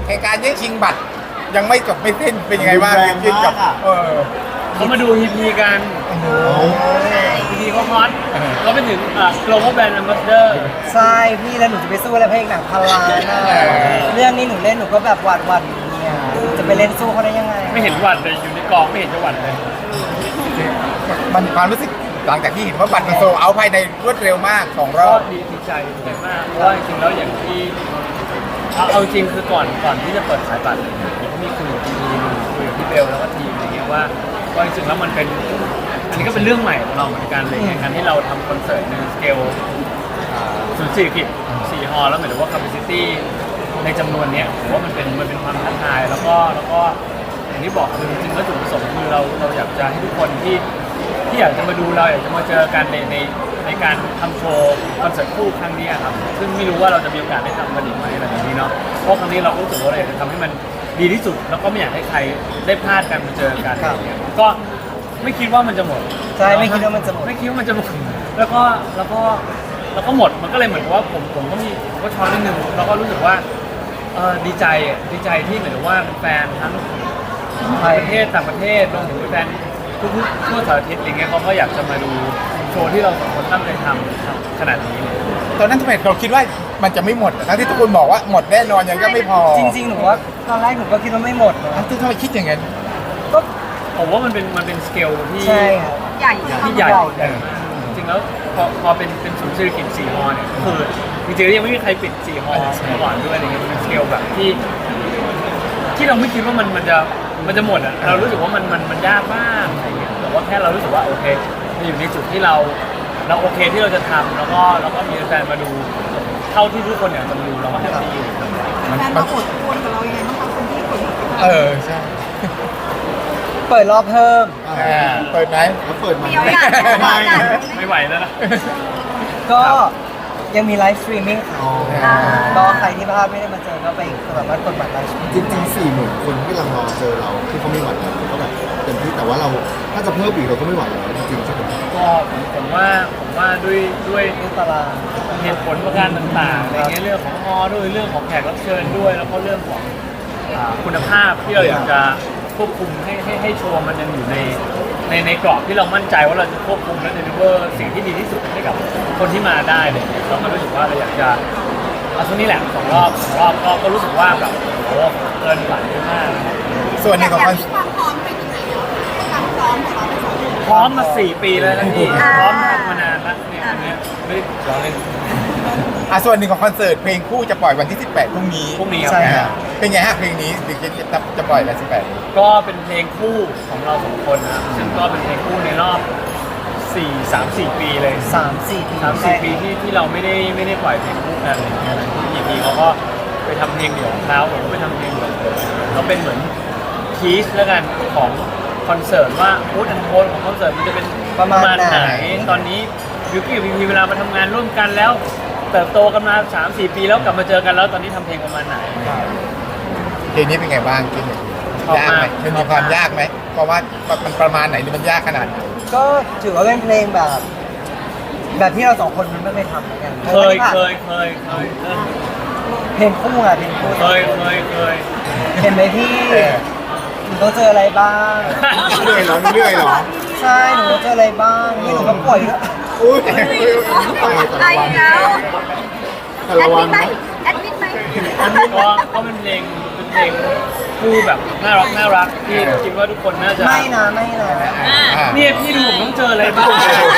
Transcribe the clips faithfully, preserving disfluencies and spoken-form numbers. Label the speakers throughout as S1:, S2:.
S1: เหตุการณ์แย่งชิงบัตรยังไม่จบไม่สิ้นเป็นยังไงบ้างกินกับเออ
S2: เขามาดูฮีพีกัน
S1: โอ้โห
S2: ฮีพีเขาฮอตเขาเป็นถึงอ่า global brand ambassador
S3: ใช่พี่แล้วหนูจะไปสู้อะไรพระเอกหนังพันล้านอะเรื่องนี้หนูเล่นหนูก็แบบหวาดหวั่นเนี่ยจะไปเล่นสู้เขาได้ยังไง
S2: ไม่เห็นหวัดเลยอยู่ในกองไม่เห็นจะหวัดเลย
S1: มันความรู้สึกหลังจากที่เห็นว่าบัตรมันโซลเอาท์ภายในรวดเร็วมากสองร
S2: ก็
S1: อบ
S2: ดีดีใจดีใจมากเพราะว่าจริงๆแล้วอย่างที่เอาเอาจริงคือก่อนก่อนที่จะเปิดขายบัตรเนี่ยผมก็มีคุยกับทีมคุยกับพี่เบลแล้วก็ทีมอะไรเงี้ยว่าว่าจริงๆแล้วมันเป็นอันนี้ก็เป็นเรื่องใหม่ของเราเหมือนกันเลยการที่เราทำคอนเสิร์ตในสเกลศูนย์เศรษฐกิจสี่ฮอลล์แล้วหมายถึงว่า capacity ในจำนวนเนี้ยผมว่ามันเป็นมันเป็นความท้าทายแล้วก็แล้วก็อย่างที่บอกคือจริงๆแล้วจุดประสงค์คือเราเราอยากจะให้ทุกคนที่ที่อยากจะมาดูเราอยากจะมาเจอกันในในในการทำโชว์คอนเสิร์ตคู่ครั้งนี้ครับซึ่งไม่รู้ว่าเราจะมีโอกาสได้ทำกันอีกไหมอะไรแบบนี้เนาะเพราะครั้งนี้เราก็รู้สึกว่าเราอยากจะทำให้มันดีที่สุดแล้วก็ไม่อยากให้ใครได้พลาดกันมาเจอกันอะไรอย่างเงี้ยก็ไม่คิดว่ามันจะหมด
S3: ใช่ไม่คิดว่ามันจะหมด
S2: ไม่คิดว่ามันจะหมดแล้วก็แล้วก็แล้วก็หมดมันก็เลยเหมือนกับว่าผมผมก็มีผมก็ช้อนนิดนึงแล้วก็รู้สึกว่าเออดีใจอ่ะดีใจที่เหมือนกับว่าแฟนทั้งประเทศต่างประเทศรวมถึงแฟนทุกๆทั่วสารทิศอย่างเงี้ยเขาก็อยากจะมาดูโชว์ที่เราสองคนตั้งใจทำขนาดนี้เลย
S1: ตอนนั้นทำไมเราคิดว่ามันจะไม่หมดทั้งที่ทุกคนบอกว่าหมดแน่นอนยังก็ไม่พอ
S3: จริงๆหนูว่าตอนแรกหนูก็คิดว่าไม่หมดนะ
S1: ทั้งที่ทำไมคิดอย่างนั้น
S3: ก็
S2: ผมว่ามันเป็นมันเป็นสเกลที่
S3: ใช่ครับ
S4: ใหญ่
S2: ที่ใหญ่ใหญ่มากจริงๆแล้วพอพอเป็นเป็นศูนย์เศรษฐกิจสี่ฮอเนี่ยก็คือจริงๆแล้วยังไม่มีใครปิดสี่ฮอมาก่อนด้วยอะไรเงี้ยมันเป็นสเกลแบบที่ ที่เราไม่คิดว่ามันมันจะมันจะหมดอ่ะเรารู้สึกว่ามันมันมันยากมากอะไรเงี้ยแต่ว่าแค่เรารู้สึกว่าโอเคมันอยู่ในจุดที่เราเราโอเคที่เราจะทำแล้วก็แล้วก็มีแฟนมาดูเท่าที่ทุกคนอยากจะมาดูเราก็แฮปปี้
S1: มัน
S4: แฟน
S1: มั
S4: มาน อดทนกับเรายังไงบ้างคะคนที่คน
S1: เออใช่
S3: เปิดรอบเพิ่ม
S1: อ่าเปิดไหม
S5: แล้วเปิดมา
S4: เดียวกัน
S5: ทำไม
S2: ไม่ไหวแล้วนะ
S3: ก็ยังมีไลฟ์สตรีมมิ่งค่ะ
S5: อ๋อ
S3: ก็ใครที่พลาดไม่ได้มาเจอก็ไปสามารถกดบัตรไลฟ์สตรีม
S5: จริงๆสี่หมื่นคนที่กำลังรอเจอเราที่เขาไม่หวั่นเราก็แบบเต็มที่แต่ว่าเราถ้าจะเพิ่มอีกเราก็ไม่ไหวแล้วจริงๆใช่ไหม
S2: ก็ผมผมว่าผมว่าด้วยด้วย
S3: ที่ตาราง
S2: เหตุผลประการต่างๆอะไรเงี้ยเรื่องของฮอด้วยเรื่องของแขกรับเชิญด้วย แล้วก็เรื่องของอ่าคุณภาพที่เราอยากจะควบคุมให้ให้ให้โชว์มันยังอยู่ในในในกรอบที่เรามั่นใจว่าเราจะควบคุมและเดลิเวอร์สิ่งที่ดีที่สุดให้กับคนที่มาได้เลยเราก็รู้สึกว่าเราอยากจะเอาช่วงนี้แหละสองรอบสองรอบก็ก็รู้สึกว่าแบบโอ้โหเกินฝันเยอะมาก
S1: ส่วนหนึ่งของคอน
S4: มีความพร้อมไปถึงไหนแล้วความพร้อมของเราในสองคน
S2: พร้อมมาสี่ปีแล้วนะพี่
S4: อ่า
S2: พร้อมทำมานานแล้วเนี่ยอันเนี้ยไม่ได้ร้องเล่น
S1: อ่ะส่วนหนึ่งของคอนเสิร์ตเพลงคู่จะปล่อยวันที่สิบแปดพรุ่งนี้
S2: พรุ่งนี้ครับ
S3: ใช่
S1: อ่าเป็นไงฮะเพลงนี้ถึงจะจะจะปล่อยวันสิบแปด
S2: ก็เป็นเพลงคู่ของเราสองคนนะครับซึ่งก็เป็นเพลงคู่ในรอบสี่สามสี่ปีเลย
S3: สามสี่ปี
S2: สามสี่ปีที่ที่เราไม่ได้ไม่ได้ปล่อยเพลงคู่กันอะไรอย่างเงี้ยที่พีเขาก็ไปทำเพลงเดี่ยวของเขาผมก็ไปทำเพลงเดี่ยวของผมก็เป็นเหมือนทีสแล้วกันของคอนเสิร์ตว่าพูดอันโทนของคอนเสิร์ตมันจะเป็น
S3: ประมาณไหน
S2: ตอนนี้บิวกี้กับพีพีเวลามาทำงานร่วมกันแล้วเติบโตกันมาสามสี่ปีแล้วกลับมาเจอกันแล้วตอนนี้ทำเพลงประมาณไหน
S1: เพลงนี้เป็นไงบ้างกิน
S2: ชอบ
S1: ยาก
S2: มาก
S1: ไหมมันมีความยากไหมเพราะว่ามันประมาณไหนหรือมันยากขนาดไหน
S3: ก็ถือว่าเป็นเพลงแบบ แบบที่เราสองคนมันไม่เคยทำเหมือนกัน
S2: เคยเคยเคยเคยเออ
S3: เพลงคู่อะเพลงคู่
S2: เคยเคยเคย
S3: เห็นไหมพี่
S1: เออ
S3: หนูต้องเจออะไรบ้าง
S5: เรื่อยเหรอเรื่อยเหรอ
S3: ใช่หนูต้องเจออะไรบ้างนี่หนูก็ป่วยด้วย
S5: อุ้ย
S4: ไอ้แล้ว
S5: แต่
S4: แอ
S5: ละ
S4: ด
S5: วั
S4: มิ
S5: น
S4: ดไหม
S5: นะ
S4: แอดมิดไหม
S2: ก็ก็เป็นเพลงเป็นเพลงคู่แบบน่ารักน่ารักที่คิดว่าทุกคนน่าจะ
S3: ไม่นะไม่นะ
S1: อ่า
S2: เนี่ยพี่ดูผมต้องเจออะไรบ้าง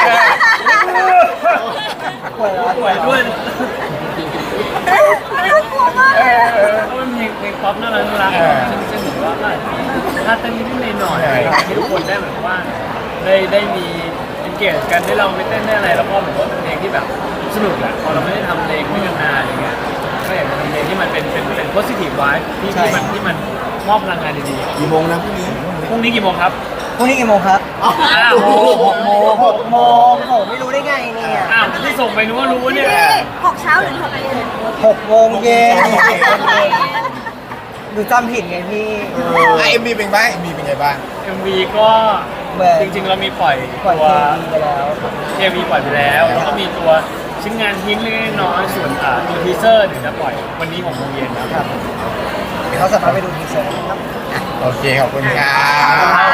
S3: ป่วยแล้ว
S2: ป่วยด้วย
S4: น่ากลัวมากเลยอะ
S2: ก็เป็นเพลงเพลงป๊อปน่ารักน่ารักซึ่งซึ่งผมว่าถ้าเต้นนิดๆหน่อยๆให้ทุกคนได้เหมือนว่าได้ได้มี engage กันได้ลองไปเต้นได้อะไรแล้วก็เหมือนว่าเป็นเพลงที่แบบสนุกแหละพอเราไม่ได้ทำเพลงด้วยกันนานอย่างเงี้ยก็อยากจะทำเพลงที่มันเป็นเป็นเป็น positive vibe ที่ที่มันที่มันมอบพลังงานดี
S5: กี่โมงนะพรุ่งนี้
S2: ๆพรุ่งนี้กี่โมงครับ
S3: พรุ่งนี้กี่โมงครับ
S5: อ้าว
S2: อ้าว
S3: โมงหกโมงหกโมงโหไม่รู้ได้ไงเนี่ย
S2: อ้าวที่ส่งไปนึกว่ารู้เนี่ย
S4: พี่หกเช้าหรือหกเย็น
S3: หกโมงเย็นหนูจำผิดไงพี่
S1: อ่ะเอ็มบีเป็นไงเอ็มบีเป็นไงบ้าง
S2: เอ็ม วี ก็
S3: เหมือน
S2: จริงๆ เรามีปล่อย
S3: ปล่อย
S2: ตัว
S3: เพลงไปแล้ว
S2: เคมีปล่อยไปแล้ว แล้วก็มีตัวชิ้นงานทิ้งเล็กๆน้อยๆส่วนอ่าตัวทีเซอร์เดี๋ยวจะปล่อยวันนี้หกโมงเย็นนะครับ
S3: เขาสามารถไปดูทีเซอร์ได้ครับ
S1: โอเคขอบคุณครับ